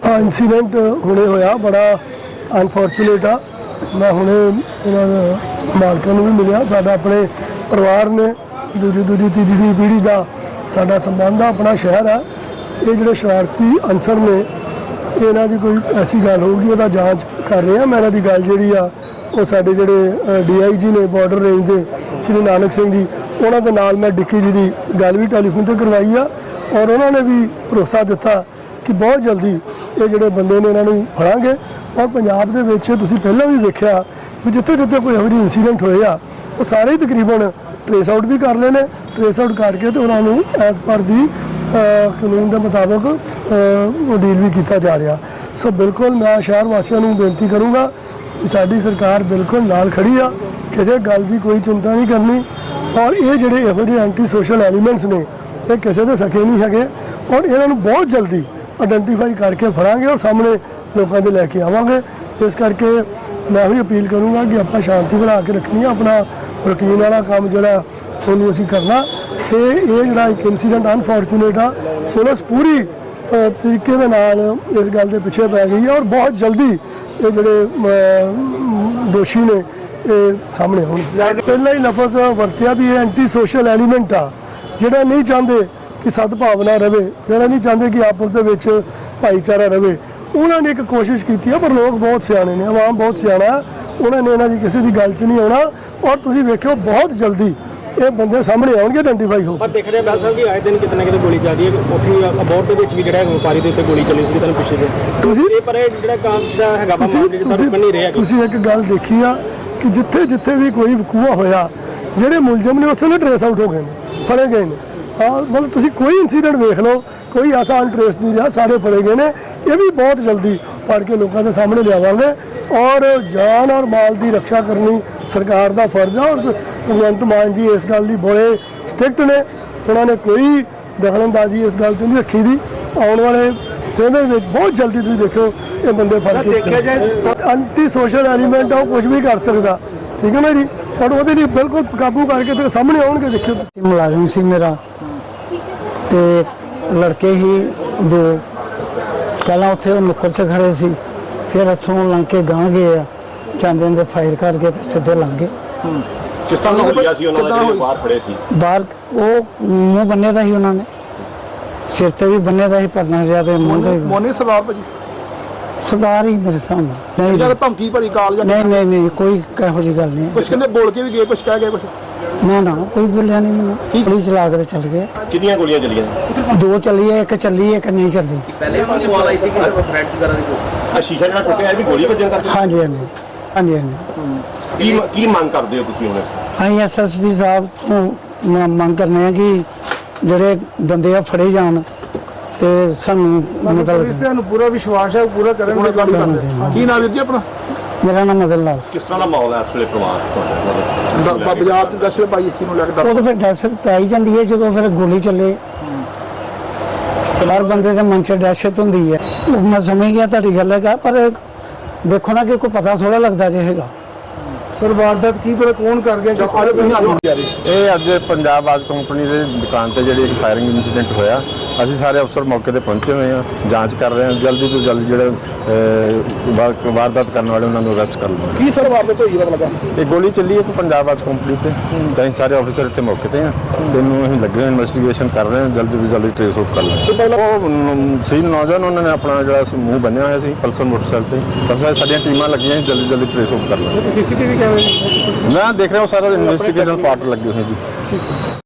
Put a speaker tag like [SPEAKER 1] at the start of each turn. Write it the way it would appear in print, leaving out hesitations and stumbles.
[SPEAKER 1] Incident हुणे होया बड़ा अनफॉर्चुनेट आ। मैं हुणे इन्हां मालकां नूं भी मिलिया। साडा अपने परिवार ने दूजी तीजी पीढ़ी का साडा संबंध आ। अपना शहर है। ये जिहड़े शरारती अंसर ने इन्हां दी कोई ऐसी गल होगी उहदा जांच कर रहे हैं। मैं इन्हां दी गल जिहड़ी आ वो साडे जिहड़े DIG ने बॉर्डर रेंज के श्री नानक सिंह जी उन्हां दे नाल मैं डिक्की जी की गल भी टैलीफोन पर करवाई आ और उन्होंने भी भरोसा दिता कि बहुत जल्दी ये जोड़े बंदे ने इन्हों फड़ांगे। और पंजाब दे विच तुसीं पहलां भी वेख्या भी जिथे जिथे कोई एहो जिहे इंसीडेंट होए आ वो सारे ही तकरीबन ट्रेस आउट भी कर ले ने। ट्रेस आउट करके तो उन्होंने एज पर दी कानून के मुताबिक डील भी किया जा रहा। सो बिल्कुल मैं शहर वासियों को बेनती करूँगा कि साडी सरकार बिल्कुल नाल खड़ी आ, किसी गल की कोई चिंता नहीं करनी। और ये जोड़े एहो जिहे एंटी सोशल एलीमेंट्स ने ये किसी के सके नहीं है और इन्हों बहुत जल्दी आइडेंटिफाई करके फड़ांगे और सामने लोगों के लैके आवांगे। इस करके मैं भी अपील करूँगा कि आप शांति बना के रखनी है। अपना रूटीन वाला काम जोड़ा उन्होंने असीं करना। ये जोड़ा एक इंसीडेंट अनफॉर्चुनेट आ। पुलिस पूरी तरीके दे नाल इस गल के पिछे पै गई है और बहुत जल्दी ये जोड़े दोषी ने सामने आउणगे। पहला ही लफज वरतिया भी ये एंटी सोशल एलीमेंट आ जिहड़ा नहीं चाहते कि सद्भावना रहे, जिहड़ा नहीं चाहते कि आपस दे विच भाईचारा रहे। उन्होंने एक कोशिश की है पर लोग बहुत सियाणे ने, आवाम बहुत सियाणा है। उन्होंने इन्हां दी किसी की गल च नहीं आना और तुसीं वेखिओ बहुत जल्दी ये बंदे सामने आउणगे, आइडेंटिफाई हो।
[SPEAKER 2] पर देख रहे बैल साहब कि आए दिन कितने कितने गोली चल रही है। उत्थे अबोहर दे विच भी जिहड़ा व्यापारी दे उत्ते गोली चली सी तुहानूं पिछे जे पर जिहड़ा काम जिहड़ा हैगा मामले जिहड़ा रुकण नहीं रहा।
[SPEAKER 1] तुसीं एक गल देखी आ कि जिथे जिथे भी कोई वकूआ होया जिहड़े मुलजम ने उस वेले ट्रेस आउट हो गए ने, फड़े गए ने। हाँ मतलब तुसीं कोई इंसीडेंट देख लो, कोई ऐसा अनट्रेस नहीं रहा, सारे फड़े गए ने। ये भी बहुत जल्दी फड़ के लोगों के सामने लियावांगे और जान और माल की रक्षा करनी सरकार का फर्ज है। और भगवंत मान जी इस गल की बड़े स्ट्रिक्ट ने, उन्होंने कोई दखलअंदाजी इस गल नहीं रखी थी। आने वाले दिन में बहुत जल्दी तुम देखो ये बंदे फड़ के एंटी सोशल एलीमेंट है कुछ भी कर सकता, ठीक है ना जी। और वो बिल्कुल काबू करके तो सामने आउणगे। देखियो
[SPEAKER 3] मुलाजिम सी मेरा ते लड़के ही दो पहला उत्थे नुक्कड़ च खड़े सी, फिर इत्थों लंघ के गांह गए चांदे दे फायर करके ते सीधे लंघ गए।
[SPEAKER 4] किस तरह होया सी उन्हां दे बाहर खड़े सी?
[SPEAKER 3] बाहर वो मुंह बन्ने दा ही उन्होंने, सिर ते भी बन्ने दा ही परना जिहा ते मुंह ते
[SPEAKER 5] मोनी सरदार भाजी
[SPEAKER 3] सरदार ही मेरे सामने। नहीं
[SPEAKER 5] जब धमकी भरी काल जां
[SPEAKER 3] नहीं कोई कहो जी गल नहीं।
[SPEAKER 5] कुछ कहंदे बोल के भी गए, कुछ कह गए, कुछ
[SPEAKER 3] ना कोई बोलिया नहीं मैंने। गोली चला के चल गए।
[SPEAKER 4] कितनियां गोलियां चलियां?
[SPEAKER 3] दो चली है, एक चली एक नहीं चली।
[SPEAKER 2] पहले भी सवाल आई सी कि थ्रेट वगैरह दी
[SPEAKER 4] शीशा जिहड़ा टुੱਟਿਆ भी गोली वजन करके?
[SPEAKER 3] हाँ जी
[SPEAKER 4] की मांग करते हो तुसीं हुण?
[SPEAKER 3] ਅਸੀਂ SSP ਸਾਹਿਬ ਤੋਂ ਮੰਗ ਕਰਨੇ ਆ ਕਿ ਜਿਹੜੇ ਬੰਦੇ ਆ ਫੜੇ ਜਾਣ ਤੇ ਸਾਨੂੰ ਮਤਲਬ
[SPEAKER 5] ਇਸ ਤੇ ਨੂੰ ਪੂਰਾ ਵਿਸ਼ਵਾਸ ਹੈ ਪੂਰਾ ਕਰਨਗੇ ਗਾੜੀ ਕਰਦੇ। ਕੀ ਨਾਮ ਹੈ ਜੀ ਆਪਣਾ?
[SPEAKER 3] ਮੇਰਾ ਨਾਮ ਮਦਨ ਲਾਲ।
[SPEAKER 4] किस तरह का माहौल है इस ਵੇਲੇ ਪਰਿਵਾਰ?
[SPEAKER 5] ਬਾਜ਼ਾਰ ਤੇ ਦਸਲੇ ਭਾਈ ਇਸ ਨੂੰ ਲੈ ਕੇ
[SPEAKER 3] ਉਹ ਤਾਂ ਫਿਰ ਦਹਿਸ਼ਤ ਪਾਈ ਜਾਂਦੀ ਹੈ ਜਦੋਂ ਫਿਰ ਗੋਲੀ ਚੱਲੇ। ਹਰ ਬੰਦੇ ਦੇ ਮਨ 'ਚ ਦਹਿਸ਼ਤ ਹੁੰਦੀ ਹੈ। ਮੈਂ ਸਮਝ ਗਿਆ ਤੁਹਾਡੀ ਗੱਲ ਹੈਗਾ ਪਰ ਦੇਖੋ ਨਾ ਕਿ ਕੋਈ ਪਤਾ ਥੋੜਾ ਲੱਗਦਾ ਜੇ ਹੈਗਾ।
[SPEAKER 5] ਸਰ ਵਾਰਦਾਤ ਕੀ ਪਰ ਕੌਣ ਕਰ ਗਿਆ ਜਿਸ ਸਾਰੇ ਤੁਸੀਂ ਆਜੋ।
[SPEAKER 6] ਇਹ ਅੱਜ ਪੰਜਾਬ ਆਜ ਕੰਪਨੀ ਦੇ ਦੁਕਾਨ ਤੇ ਜਿਹੜੀ ਫਾਇਰਿੰਗ ਇਨਸੀਡੈਂਟ ਹੋਇਆ, ਅਸੀਂ ਸਾਰੇ ਅਫਸਰ ਮੌਕੇ ਤੇ ਪਹੁੰਚੇ ਹੋਏ ਹਾਂ, ਜਾਂਚ ਕਰ ਰਹੇ ਹਾਂ। ਜਲਦੀ ਤੋਂ ਜਲਦੀ ਜਿਹੜੇ ਵਾਰਦਾਤ ਕਰਨ ਵਾਲੇ ਉਹਨਾਂ ਨੂੰ ਅਰੈਸਟ ਕਰ ਲਵਾਂਗੇ।
[SPEAKER 5] ਕੀ ਸਰ ਵਾਰਦਾਤ ਹੋਈ ਪਤਾ ਲੱਗਾ?
[SPEAKER 6] ਇਹ ਗੋਲੀ ਚੱਲੀ ਹੈ ਪੰਜਾਬ ਆਜ ਕੰਪਨੀ ਤੇ, ਤਾਂ ਅਸੀਂ ਸਾਰੇ ਅਫਸਰ ਇੱਥੇ ਮੌਕੇ ਤੇ ਹਾਂ। ਇਹਨੂੰ ਅਸੀਂ ਲੱਗੇ ਹੋਏ ਇਨਵੈਸਟੀਗੇਸ਼ਨ ਕਰ ਰਹੇ ਹਾਂ, ਜਲਦੀ ਤੋਂ ਜਲਦੀ ਟ੍ਰੇਸ ਆਊਟ ਕਰ ਲਾਂਗੇ। ਉਹ ਸੀ ਨੌਜਵਾਨ, ਉਹਨਾਂ ਨੇ ਆਪਣਾ ਜਿਹੜਾ ਮੂੰਹ ਬੰਨਿਆ ਹੋਇਆ ਸੀ ਪਲਸਰ ਮੋਟਰਸਾਈਕਲ ਤੇ। ਬਸ ਸਾਡੀਆਂ ਟੀਮਾਂ ਲੱਗੀਆਂ, ਜਲਦੀ ਟ੍ਰੇਸ ਆਊਟ ਕਰ ਲਾਂਗੇ।
[SPEAKER 5] CCTV ਕੈਮਰੇ
[SPEAKER 6] ਮੈਂ ਦੇਖ ਰਿਹਾ ਉਹ ਸਾਰਾ ਇਨਵੈਸਟੀਗੇਸ਼ਨ ਪਾਰਟ ਲੱਗੇ ਹੋਏ ਜੀ।